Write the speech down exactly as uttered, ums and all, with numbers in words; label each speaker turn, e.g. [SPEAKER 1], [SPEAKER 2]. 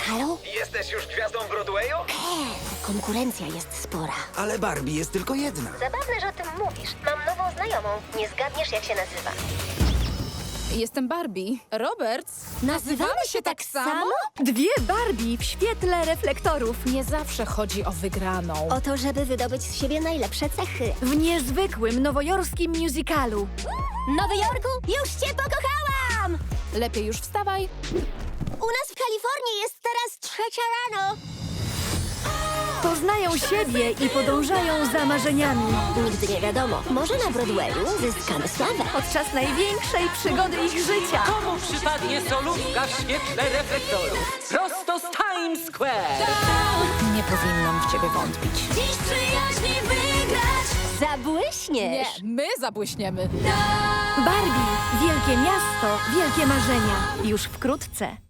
[SPEAKER 1] Halo?
[SPEAKER 2] Jesteś już gwiazdą Broadwayu?
[SPEAKER 1] Kev, konkurencja jest spora.
[SPEAKER 3] Ale Barbie jest tylko jedna.
[SPEAKER 4] Zabawne, że o tym mówisz. Mam nową znajomą. Nie zgadniesz, jak się nazywa.
[SPEAKER 5] Jestem Barbie. Roberts?
[SPEAKER 1] Nazywamy się tak samo?
[SPEAKER 6] Dwie Barbie w świetle reflektorów.
[SPEAKER 5] Nie zawsze chodzi o wygraną.
[SPEAKER 1] O to, żeby wydobyć z siebie najlepsze cechy.
[SPEAKER 6] W niezwykłym nowojorskim musicalu.
[SPEAKER 1] Nowy Jorku, już cię pokochałam!
[SPEAKER 5] Lepiej już wstawaj.
[SPEAKER 1] U nas w Kalifornii jest teraz trzecia rano.
[SPEAKER 6] Poznają siebie i podążają za marzeniami.
[SPEAKER 1] Nigdy nie wiadomo, może na Broadwayu zyskamy sławę.
[SPEAKER 6] Podczas największej przygody ich życia.
[SPEAKER 7] Komu przypadnie solówka w świetle reflektorów? Prosto z Times Square!
[SPEAKER 5] Nie powinnam w ciebie wątpić.
[SPEAKER 1] Dziś przyjaźni wygrać! Zabłyśnie!
[SPEAKER 5] Nie, my zabłyśniemy.
[SPEAKER 6] Barbie. Wielkie miasto, wielkie marzenia. Już wkrótce.